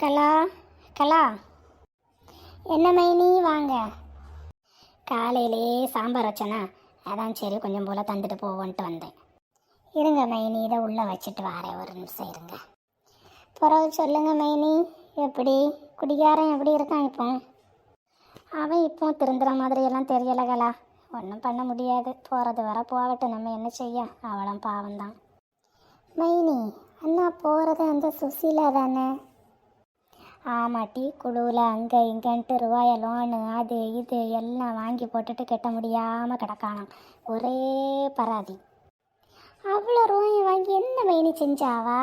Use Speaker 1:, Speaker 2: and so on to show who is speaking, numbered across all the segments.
Speaker 1: கலா கலா, என்ன மைனி வாங்க. காலையிலே சாம்பார் வச்சேனா, அதான் சரி கொஞ்சம் போல் தந்துட்டு போவோன்ட்டு வந்தேன். இருங்க மைனி, இதை உள்ளே வச்சுட்டு வரேன், ஒரு நிமிஷம் இருங்க. பிறகு சொல்லுங்க மைனி, எப்படி குடிகாரன் எப்படி இருக்கான் இப்போ? அவன் இப்போ திருந்துற மாதிரியெல்லாம் தெரியலை கலா. ஒன்றும் பண்ண முடியாது, போகிறது வர போகட்டும், நம்ம என்ன செய்ய, அவளும் பாவம்தான். மைனி, அண்ணா போகிறது அந்த சுசீலா தானே? ஆமாட்டி, குழுவில் அங்கே இங்கேன்ட்டு ரூபாய லோனு அது இது எல்லாம் வாங்கி போட்டுட்டு கட்ட முடியாமல் கிடக்கானாம். ஒரே பராதி. அவ்வளோ ரூபாயை வாங்கி என்ன மைனி செஞ்சாவா?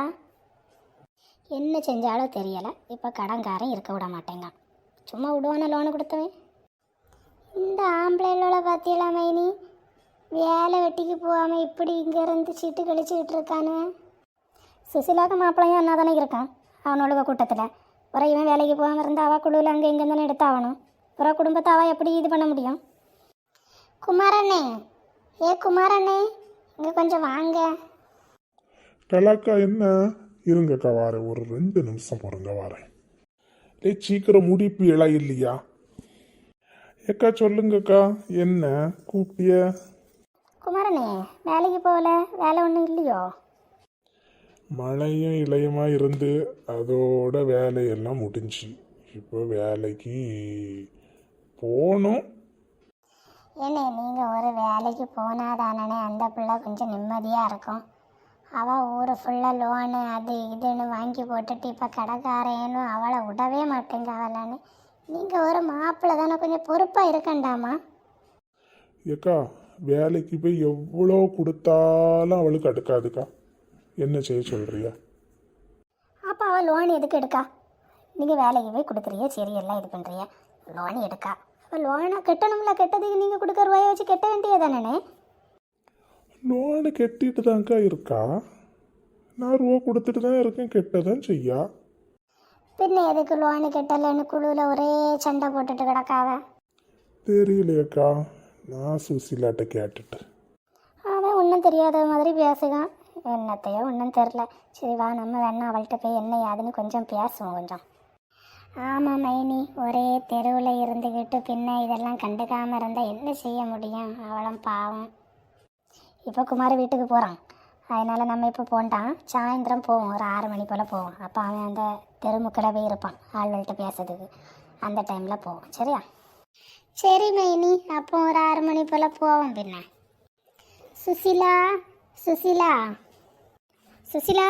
Speaker 1: என்ன செஞ்சாலும் தெரியலை, இப்போ கடன்காரன் இருக்க விட மாட்டேங்க. சும்மா விடுவான லோனு கொடுத்தவன். இந்த ஆம்பளைகளோட பார்த்தியலா மைனி, வேலை வெட்டிக்கு போகாமல் இப்படி இங்கேருந்து சீட்டு கழிச்சுக்கிட்டு இருக்கானுவேன். சுசிலாக்க மாப்பிள்ளையும் என்ன தானே இருக்கான் அவனோட கூட்டத்தில். அப்புறம் இவன் வேலைக்கு போகாமல் இருந்தால் அவள் குழுவில் அங்கே இங்கே தானே எடுத்தாகணும். அப்புறம் குடும்பத்தை அவள் எப்படி இது பண்ண முடியும்? குமாரண்ணே, குமாரண்ணே, இங்கே கொஞ்சம் வாங்க.
Speaker 2: கலாக்கா, என்ன? இருங்கக்கா வாரேன், ஒரு 2 நிமிஷம் பொறுங்க வாரேன். சீக்கிரம் முடிப்பு இலை இல்லையா? ஏக்கா சொல்லுங்கக்கா, என்ன கூப்பிட்டிய?
Speaker 1: குமாரண்ணே, வேலைக்கு போகல, வேலை ஒன்றும் இல்லையோ?
Speaker 2: மழையும் இலையுமா இருந்து அதோட வேலையெல்லாம் முடிஞ்சு இப்போ வேலைக்கு போகணும்.
Speaker 1: ஏண்ணே, நீங்கள் ஒரு வேலைக்கு போனாதானே அந்த பிள்ளை கொஞ்சம் நிம்மதியாக இருக்கும். அவள் ஊர் ஃபுல்லாக லோனு அது இதுன்னு வாங்கி போட்டுட்டு இப்போ கடைக்காரேன்னு அவளை விடவே மாட்டேங்க அவளான்னு. நீங்கள் ஒரு மாப்பிள்ளை தானே, கொஞ்சம் பொறுப்பாக இருக்கண்டாமா?
Speaker 2: ஏக்கா, வேலைக்கு போய் எவ்வளோ கொடுத்தாலும் அவளுக்கு அடுக்காதுக்கா. என்ன செய்ய சொல்கிறியா?
Speaker 1: அப்போ அவள் லோன் எதுக்கு எடுக்கா? நீங்கள் வேலைக்கு போய் கொடுக்குறிய, சரி எல்லாம் இது பண்ணுறிய, லோன் எடுக்கா. அப்போ லோனை கட்டணும்ல, கெட்டதுக்கு நீங்கள் கொடுக்குற ரூபாயை வச்சு கட்ட வேண்டியதானே?
Speaker 2: லோனு கெட்டிட்டு தான்க்கா இருக்கா. நான் ரூபா கொடுத்துட்டு தான் இருக்கேன், கெட்டதான் செய்யா.
Speaker 1: பின்ன எதுக்கு லோனு கெட்டலன்னு குழுவில் ஒரே சண்டை போட்டுட்டு கிடக்காவ?
Speaker 2: தெரியலையக்கா, நான் சுசிலாட்ட கேட்டுட்டு.
Speaker 1: அவன் ஒன்றும் தெரியாத மாதிரி பேசுகான். என்னத்தையோ ஒன்றும் தெரில. சரி வா, நம்ம வேணா அவள்கிட்ட போய் என்ன யாதுன்னு கொஞ்சம் பேசுவோம் கொஞ்சம். ஆமாம் மைனி, ஒரே தெருவில் இருந்துக்கிட்டு பின்ன இதெல்லாம் கண்டுக்காமல் இருந்தால் என்ன செய்ய முடியும்? அவளும் பாவம். இப்போ குமார் வீட்டுக்கு போகிறான், அதனால் நம்ம இப்போ போண்டான். சாயந்தரம் போவோம், ஒரு 6 மணி போல் போவோம். அப்போ அவன் அந்த தெருமுக்கில் போய் இருப்பான் ஆள்கள்கிட்ட பேசுறதுக்கு. அந்த டைமில் போவோம், சரியா? சரி மைனி, அப்போ ஒரு 6 மணி போல் போவோம். பின்ன சுசிலா, சுசிலா, சுசிலா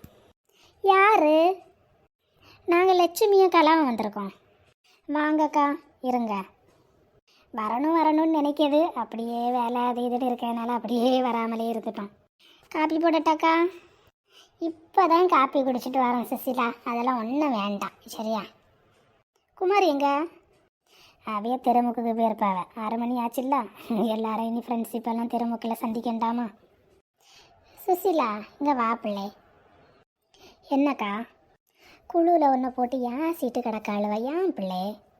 Speaker 1: யாரு? நாங்கள் லட்சுமியும் கலாவும் வந்திருக்கோம். வாங்கக்கா, இருங்க. வரணும்னு நினைக்கிது, அப்படியே வேலை அது இதுன்னு இருக்கிறதுனால அப்படியே வராமலே இருந்துட்டோம். காப்பி போடட்டாக்கா? இப்போ தான் காப்பி குடிச்சிட்டு வரோம் சுசிலா, அதெல்லாம் ஒன்றும் வேண்டாம், சரியா? குமார் எங்க? அவைய தெருமுக்குக்கு போயிருப்பாவ. 6 மணி ஆச்சுல்ல, எல்லாரும் இனி ஃப்ரெண்ட்ஸ் இப்போல்லாம் தெருமுக்கில் சந்திக்கண்டாமா? சுசிலா, இங்கே வா பிள்ளை. என்னக்கா? குழுவில் ஒன்று போட்டு ஏன் சீட்டு கிடக்காளுவ, ஏன் பிள்ளை?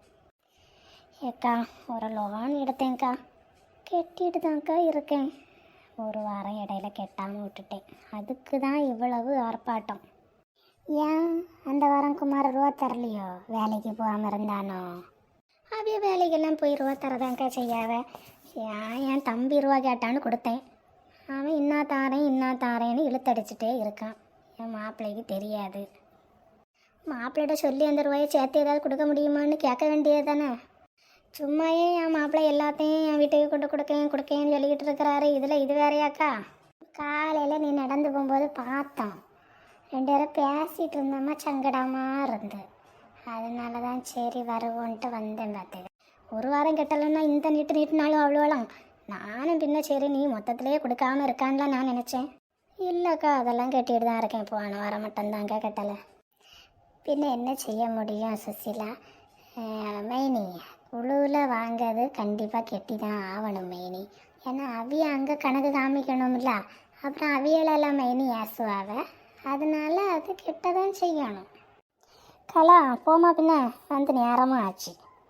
Speaker 1: ஏக்கா, ஒரு லோன் எடுத்தேங்க்கா, கெட்டிட்டு தான்க்கா இருக்கேன். ஒரு வாரம் இடையில கெட்டாமல் விட்டுட்டேன், அதுக்கு தான் இவ்வளவு ஆர்ப்பாட்டம். ஏன் அந்த வாரம் குமார் ரூபா தரலையோ? வேலைக்கு போகாமல் இருந்தானோ? அப்படியே வேலைக்கெல்லாம் போய் ரூபா தரதாங்க்கா செய்யாவ. என் தம்பி ரூபா கேட்டான்னு கொடுத்தேன். அவன் இன்னா தாரேன்னு இழுத்தடிச்சிட்டே இருக்கான். என் மாப்பிள்ளைக்கு தெரியாது. மாப்பிள்ளைகிட்ட சொல்லி அந்த ரூபாயை சேர்த்து ஏதாவது கொடுக்க முடியுமான்னு கேட்க வேண்டியது தானே. சும்மாயே என் மாப்பிள்ளை எல்லாத்தையும் என் வீட்டுக்கு கொடுக்கேன்னு சொல்லிக்கிட்டு இருக்கிறாரு. இதில் இது வேறையாக்கா? காலையில் நீ நடந்து போகும்போது பார்த்தோம், 2 பேரும் பேசிகிட்டு இருந்தோம்மா, சங்கடமாக இருந்து. அதனால தான் சரி வருவோன்ட்டு வந்தேன். பார்த்து ஒரு வாரம் கெட்டலைன்னா இந்த நீட்டுனாலும் அவ்வளோலாம். நானும் பின்ன சரி நீ மொத்தத்திலே கொடுக்காமல் இருக்கான்லாம் நான் நினச்சேன். இல்லைக்கா, அதெல்லாம் கட்டிட்டு தான் இருக்கேன். போன வாரம் மட்டும்தாங்க கட்டலை. பின்ன என்ன செய்ய முடியும் சுசிலா? மைனி, குழுவில் வாங்கிறது கண்டிப்பாக கெட்டி தான் ஆகணும் மைனி. ஏன்னா அவிய அங்கே கணக்கு காமிக்கணும்ல, அப்புறம் அவியலெல்லாம் மைனி ஏசுவாவ. அதனால அது கெட்ட தான் செய்யணும். கலா போமா, பின்ன வந்து நேரமும் ஆச்சு.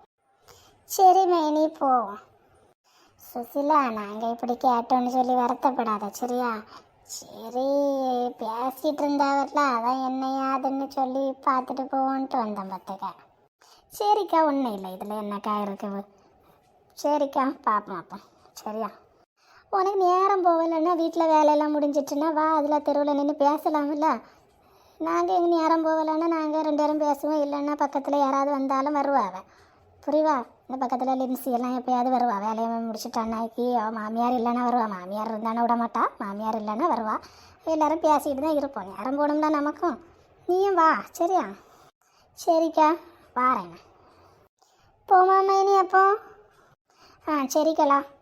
Speaker 1: சரி மைனி, போவோம். சுசிலா, நாங்கள் இப்படி கேட்டோன்னு சொல்லி வருத்தப்படாத, சரியா? சரி, பேசிகிட்டு இருந்தாவல்ல, அதான் என்னையாதுன்னு சொல்லி பார்த்துட்டு போவோன்ட்டு வந்தேன் பார்த்துக்க. சரிக்கா, ஒன்றும் இல்லை, இதில் என்னக்கா இருக்குது. சரிக்கா, பார்ப்போம் அப்போ. சரியா, உனக்கு நேரம் போகலைன்னா வீட்டில் வேலையெல்லாம் முடிஞ்சிட்டுன்னா வா, அதில் தெருவில் நின்று பேசலாம்ல. நாங்கள் எங்கள் நேரம் போகலைன்னா நாங்கள் 2 பேரும் பேசுவோம். இல்லைன்னா பக்கத்தில் யாராவது வந்தாலும் வருவாங்க. புரியுவா? இந்த பக்கத்தில் லிம்சி எல்லாம் எப்போயாவது வருவா. வேலையை முடிச்சுட்டு அன்னைக்கு மாமியார் இல்லைன்னா வருவா. மாமியார் இருந்தானே விட மாட்டா. மாமியார் இல்லைன்னா வருவா. எல்லோரும் பேசிக்கிட்டு தான் இருப்போம். நேரம் போகணும்ல நமக்கும். நீயும் வா. சரியா? சரிக்கா, வாரேண்ணா. போமாம்மா இனி அப்போ? சரிக்கலா.